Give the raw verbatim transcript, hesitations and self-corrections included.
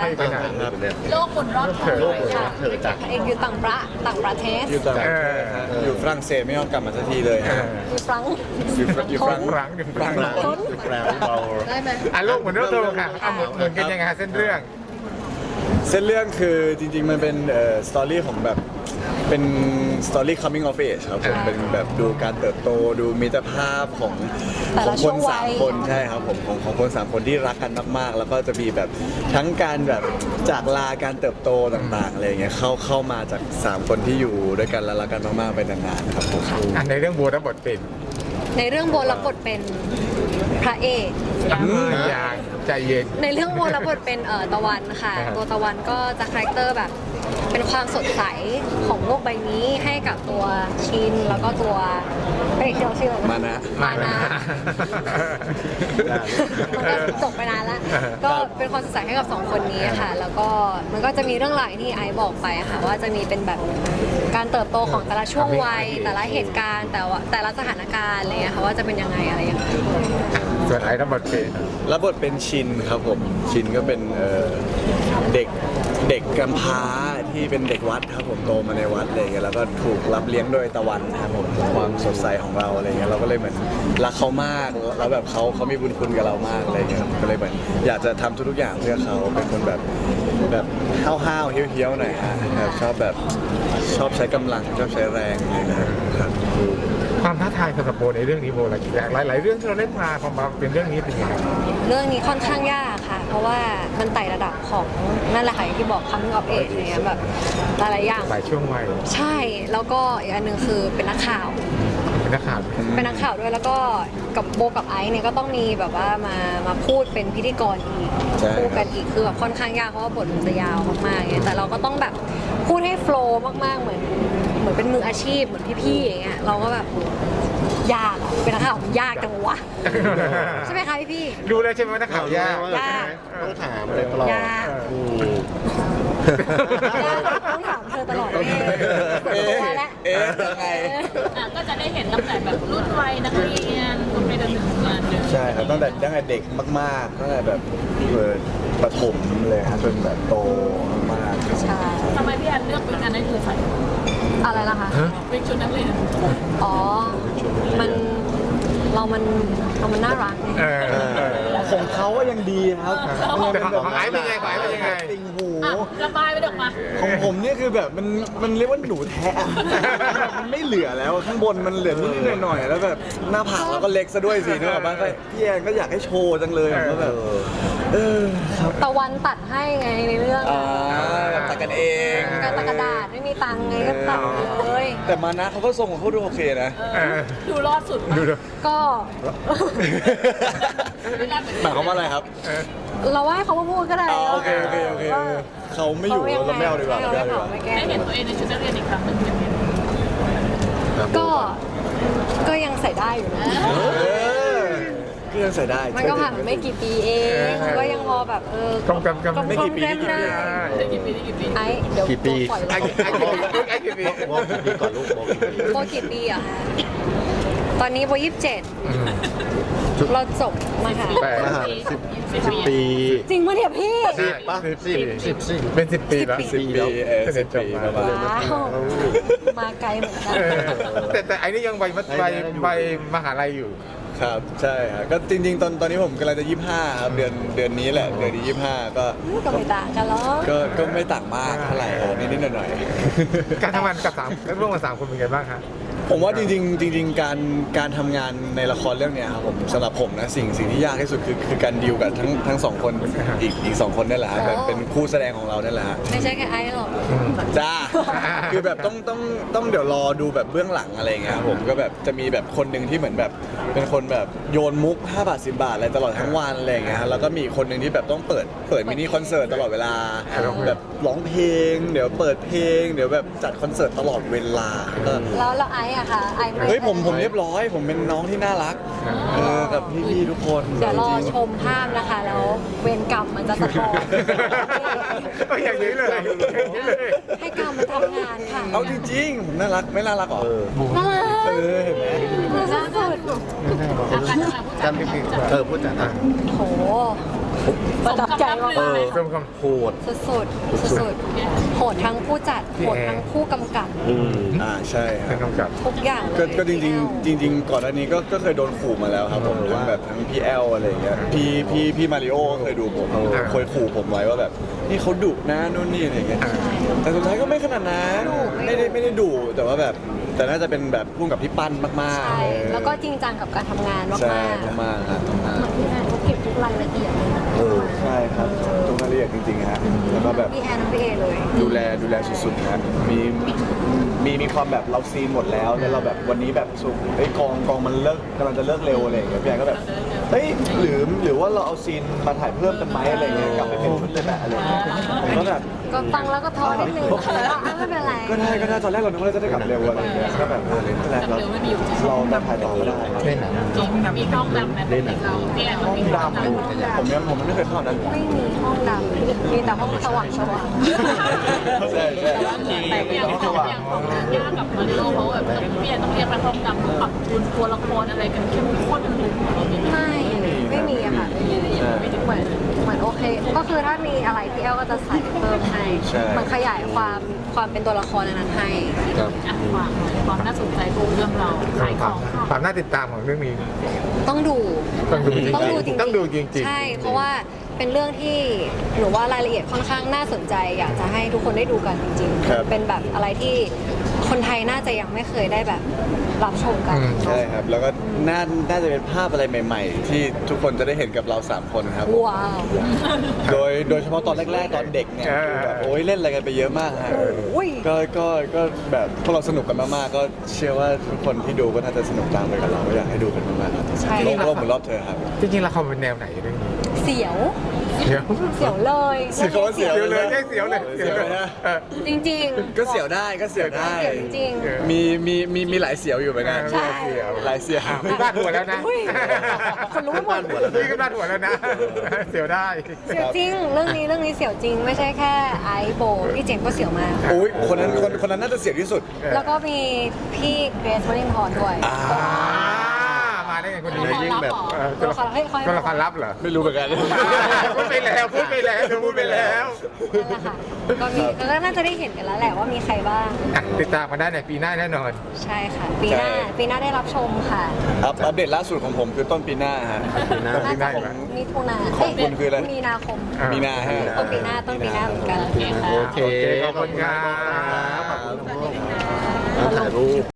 ไปไหนครับโลกหมุนรอบเธอโลกหมุนรอบเธอจ้ะเองอยู่ต่างประต่างประเทศอยู่ต่างประเทศฮะอยู่ฝรั่งเศสไม่ยอมกลับมาสักทีเลยฮะอยู่ฟรังก์อยู่ฝรั่งอยู่ฝรั่งครั้งหนึ่งครั้งแปลว่าเบาได้ไหมอ่ะโลกเหมือนเรื่องเธอค่ะอ่ะเหมือนเหมือนกันยังไงเส้นเรื่องเส้นเรื่องคือจริงๆมันเป็นเอ่อสตอรี่ของแบบเป็นสตอรี่ coming of age ครับผมเป็นแบบดูการเติบโตดูมิตรภาพของของคนสามคนใช่ครับผมของของคนสามคนที่รักกันมากๆ แล้วก็จะมีแบบทั้งการแบบจากลาการเติบโตต่างๆอะไรอย่างเงี้ยเข้าเข้ามาจากสามคนที่อยู่ด้วยกันและรักกันมากๆไปนานๆครับผมอ่ะในเรื่องบัวรับบทเป็นในเรื่องโบรับบทเป็นพระเอกยางใจเย็นในเรื่องโบรับบทเป็นเอ่อตะวันค่ะอ่าตัวตะวันก็จะคาแรคเตอร์แบบเป็นความสดใสของโลกใบนี้ให้กับตัวชินแล้วก็ตัวพระเอกที่เราชื่ออะไรมานะนะมานะ มันก็จบไปนานแล้ว ก็เป็นความสดใสให้กับสองคนนี้ค่ะ แล้วก็มันก็จะมีเรื่องราวอย่างที่ไอซ์บอกไปค่ะว่าจะมีเป็นแบบการเติบโตของแต่ละช่วงวัย แต่ละเหตุการณ์ แต่ว่าแต่ละสถานการณ์อะไรอย่างเงี้ยค่ะว่าจะเป็นยังไงอะไรยังไงส่วนไอ้รับบทเป็นรับบทเป็นชินครับผมชินก็เป็นเอ่อเด็กเด็กกำพร้าที่เป็นเด็กวัดครับผมโตมาในวัดอะไรอย่างเงี้ยแล้วก็ถูกรับเลี้ยงโดยตะวันครับผมความสดใสของเราอะไรเงี้ยเราก็เลยเหมือนรักเขามากแล้วแบบเขาเขามีบุญคุณกับเรามากอะไรเงี้ยครับก็เลยเหมือนอยากจะทำทุกๆอย่างเพื่อเขาเป็นคนแบบแบบห้าวๆเฮี้ยวๆหน่อยฮะแบบชอบแบบชอบใช้กำลังชอบใช้แรงอะไรเงี้ยครับความท้าทายสำหรับโบในเรื่องนี้โบอะไรหลายหลายๆเรื่องที่เราเล่นมาพอมาเป็นเรื่องนี้เป็นยังไงเรื่องนี้ค่อนข้างยากค่ะ เพราะว่ามันไต่ระดับของนั่นแหละค่ะอย่างที่บอก coming of age อะไรเงี้ยแบบหลายๆอย่างหลายช่วงวัยใช่ แล้วก็อีกอันหนึ่งคือเป็นนักข่าวเป็นนักข่าวเป็นนักข่าวด้วยแล้วก็กับโบกับไอซ์เนี่ยก็ต้องมีแบบว่ามามาพูดเป็นพิธีกรอีกใช่พูดกันอีกคือแบบค่อนข้างยากเพราะว่าบทมันจะยาวมากๆเงี้ยแต่เราก็ต้องแบบพูดให้โฟล์มากๆเหมือนเหมือนเป็นมืออาชีพเหมือนพี่ๆอย่างเงี้ยเราก็แบบยากอะเป็นนักข่าวมันยากจังวะใช่ไหมคะพี่ๆดูเลยใช่ไหมว่านักข่าวยากยากต้องถามเลยตลอดยากต้องถามเธอตลอดเลยเอ๊ะตัวแล้วเอ๊ะยังไงอ่ะก็จะได้เห็นตั้งแต่แบบรุ่นวัยนักเรียนจนไปจนถึงงานเลยใช่ครับตั้งแต่ตั้งแต่เด็กมากๆตั้งแต่แบบเปิดประถมเลยครับจนแบบโตมากๆใช่ทำไมพี่แอนเลือกวิกอันนั้นคือใส่อะไรล่ะคะวิกชุดนักเรียนอ๋อ มันเรามันเรามันน่ารักไงเออเออของเขาก็ยังดีครับแต่ของของไอ้เป็นไงของไอ้เป็นยังไงติงหูอ่ะระบายไปเด็กมาของผมเนี่ยคือแบบมันมันเรียกว่าหนูแท้อะมันไม่เหลือแล้วข้างบนมันเหลือนิดๆหน่อยๆแล้วแบบหน้าผากเราก็เล็กซะด้วยสินึกออกปะก็พี่แอนก็อยากให้โชว์จังเลยผมก็แบบเออครับตะวันตัดให้ไงในเรื่องอ่าตัดกันเองกระตากระดาษไม่มีตังค์ไงก็ตัดเลยแต่มานะเขาก็ทรงของเขาดูโอเคนะเออดูรอดสุดดูดูก็หมายความว่าอะไรครับเราว่าให้เขามาพูดก็ได้อ๋อโอเคโอเคโอเคเออเขาไม่อยู่เราเราไม่เอาดีกว่าไม่เราเอาไม่ไม่เอาดีกว่าเผาไม่แก้ได้เห็นตัวเองในชุดนักเรียนอีกครั้งหนึ่งเป็นไงก็ก็ยังใส่ได้อยู่นะเออก็ยังใส่ได้มันก็ผ่านมาไม่กี่ปีเองมันก็ยังพอแบบเออกำกำกำไม่กี่ปีไม่กี่ปีได้ได้กี่ปีได้กี่ปีไอ้เดี๋ยวกี่ปีปล่อยไอ้เราไอ้กี่ปีไอ้กี่ปีบอกกี่ปีก่อนลูกบอกกี่ปีโบกี่ปีอะคะตอนนี้โบยี่สิบเจ็ดเราจบมาค่ะแปดสิบสิบปีจริงปะเนี่ยพี่สิบป่ะสิบสิบสิบเป็นสิบปีแล้วสิบปีเออสิบปีประมาณว้าว มาไกลเหมือนกันเออแต่แต่ไอ้นี่ยังใบมัดใบใบมหาลัยอยู่ครับใช่ครับก็จริงๆ ตอนตอนนี้ผมกำลังจะยี่สิบห้าครับเดือนเดือนนี้แหละเดือนที่ยี่สิบห้าก็ก็ไม่ต่างกันหรอกก็ก็ไม่ต่างมากเท่าไหร่ครับนิดๆหน่อยๆการทำงานกับสามร่วมกับสามคนเป็นไงบ้างครับผมว่าจริงๆจริงๆการการทำงานในละครเรื่องเนี้ยครับผมสำหรับผมนะสิ่งสิ่งที่ยากที่สุดคือคือการดีลกับทั้งทั้งสองคนอีกอีกสองคนนั่นแหละฮะเป็นเป็นคู่แสดงของเรานั่นแหละฮะไม่ใช่แค่ไอ้หรอกจ้า คือแบบต้องต้องต้องเดี๋ยวรอดูแบบเบื้องหลังอะไรอย่างเงี้ยครับผมก็แบบจะมีแบบคนหนึ่งที่เหมือนแบบเป็นคนแบบโยนมุกห้าบาทสิบบาทอะไรตลอดทั้งวันอะไรอย่างเงี้ยฮะแล้วก็มีคนหนึ่งที่แบบต้องเปิดเปิดมินิคอนเสิร์ตตลอดเวลาแบบร้องเพลง เดี๋ยวเปิดเพลง เดี๋ยวแบบจัดคอนเสิร์ตตลอดเวลาก็แล้วแล้วไอ้อะค่ะไอ้ไม่เฮ้ยผมผมเรียบร้อยผมเป็นน้องที่น่ารักเออกับพี่ๆทุกคนเดี๋ยวรอจริงๆชมภาพนะคะ แล้วเวรกรรมมันจะสะท้อนก็อย่างนี้เลยอย่างนี้เลยให้กรรมมันทำงานค่ะเอาจริงๆผมน่ารักไม่น่ารักเหรอน่ารักเออเห็นไหมน่ารักสุดอาการทำงานผู้จัดจำผิดเออพูดจัดนะโหประทับใจมากเออเพิ่มคำโหดๆสุดๆสุดๆโหดทั้งผู้จัดโหดทั้งผู้กำกับอืมอ่าใช่คเป็รันบกำกับทุกอย่างก็ก็จเลยริงๆจริง ๆ ก่อนหน้านี้ก็ก็เคยโดนขู่มาแล้วครับผมเออทั้งว่าแบบทั้งพี่แอลอะไรอย่างเงี้ยพี่พี่พี่มาริโอเคยดูผมเออเคยขู่ผมไว้ว่าแบบนี่เขาดุนะนู่นนี่อะไรอย่างเงี้ยแต่สุดท้ายก็ไม่ขนาดนั้นไม่ได้ไม่ได้ดุแต่ว่าแบบแต่น่าจะเป็นแบบพุ่งกับพี่ปั้นมากใช่ๆเออแล้วก็จริงจังกับการทำงานมากใช่ๆมากๆครับมากพี่แอนเขาเก็บทุกรายละเอียดเลยนะเออๆใช่ครับตรงรายละเอียดจริงๆฮะแล้วก็แบบพี่แอนทั้งพี่เอเลยดูแลดูแลสุดๆครับมีมีมีความแบบเราซีนหมดแล้วแล้วเราแบบวันนี้แบบสุกไอ้ยกองกองมันเลิกกำลังจะเลิกเร็วอะไรอย่างเงี้ยพี่แอนก็แบบเฮ้ยหรือหรือว่าเราเอาซีนมาถ่ายเพิ่มกันไหมอะไรอย่างเงี้ยกลับไปเป็นชุดเลยแบบอะไรอย่างเงี้ยผมก็แบบก็ฟังแล้วก็ท้อนิดนึงแต่ว่าไม่เป็นไรก็ได้ก็ได้ตอนแรกเราคิดว่าเราจะได้กลับเร็วอะไรอย่างเงี้ยก็แบบเออไม่เป็นไรเราเราเราถ่ายต่อก็ได้เล่นหนังจริงมีห้องดำในปกติเราพี่แอนห้องดำผมยังผมไม่เคยเข้านั้นไม่มีห้องดำมีแต่ห้องสว่างสว่างใช่ใช่แต่อย่างของอย่างของยากกับมาริโอเขาแบบพี่แอนต้องเรียกไปห้องดำปรับจูนตัวละครอะไรกันเข้มข้นเลยไม่ไม่มีอะค่ะไม่มีเหมือนเหมือนโอเค ก็คือถ้ามีอะไรพี่แอลก็จะใส่เพิ่มให้มันขยายความความเป็นตัวละครอันนั้นให้ครับอ่ะฝากหน่อยความน่าสนใจของเรื่องเราขายของค่ะความน่าติดตามของเรื่องนี้ต้องดูต้องดูจริงๆต้องดูจริงๆต้องดูจริงๆใช่ เพราะว่าเป็นเรื่องที่หนูว่ารายละเอียดค่อนข้างน่าสนใจ อยากจะให้ทุกคนได้ดูกันจริงครับๆ เป็นแบบอะไรที่คนไทยน่าจะยังไม่เคยได้แบบรับชมกันอืมใช่ครับแล้วก็น่าน่าจะเป็นภาพอะไรใหม่ ๆ ที่ทุกคนจะได้เห็นกับเราสามคนครับว้าวโดยโดยเฉพาะตอนแรก ๆ ตอนเด็กเนี่ยเออคือแบบโอ้ยเล่นอะไรกันไปเยอะมากฮะโอ้ยก็ก็ก็แบบพวกเราสนุกกันมากๆก็เชื่อว่าทุกคนที่ดูก็น่าจะสนุกตามไปกับเราก็อยากให้ดูกันมากๆครับใช่โลกโลกหมุนรอบเธอครับจริงๆละครเป็นแนวไหนเรื่องนี้เสียวเดี๋ยวเสียวเลยเสียวเสียวเสียวเลยแค่เสียวเลยเสียวเลยนะเออจริงๆก็เสียวได้ก็เสียวได้เสียวจริงเออมีมีมีมีหลายเสียวอยู่เหมือนกันใช่เสียวหลายเสียวอ่ะมีบ้านหัวแล้วนะอุ้ยคนรู้หมดนี่ก็บ้านหัวแล้วนะ เสียวได้เสียวจริง เรื่องนี้เรื่องนี้เสียวจริง ไม่ใช่แค่ไอซ์โบพี่เจมส์ก็เสียวมากโอ้ยคนนั้นคนคนนั้นน่าจะเสียวที่สุดแล้วก็มีพี่เกรซวอลินทร์ด้วยอ่าอ่ามาได้ไงคนนี้ตัวละครยิ่งแบบลับเหรอเออตัวละครเฮ้ยเขาให้ตัวละครลับเหรอไม่รู้เหมือนกันพูดไปแล้วพูดไปแล้วเธอพูดไปแล้วนั่นแหละค่ะก็มีแล้วก็น่าจะได้เห็นกันแล้วแหละว่ามีใครบ้างอ่ะติดตามมาได้ในปีหน้าแน่นอนใช่ค่ะ ปีหน้าใช่ปีหน้าได้รับชมค่ะอัปอัปเดตล่าสุดของผมคือต้นปีหน้าฮะปีหน้าน่าปีหจะน้าของมิถุนาของคุณคืออะไรมีนาคมอ่ามีนาฮะต้นปีหน้าต้นปีหน้าเหมือนกันโอเคค่ะโอเคขอบคุณครับขอบคุณครับขอบคุณครับถ่ายรูป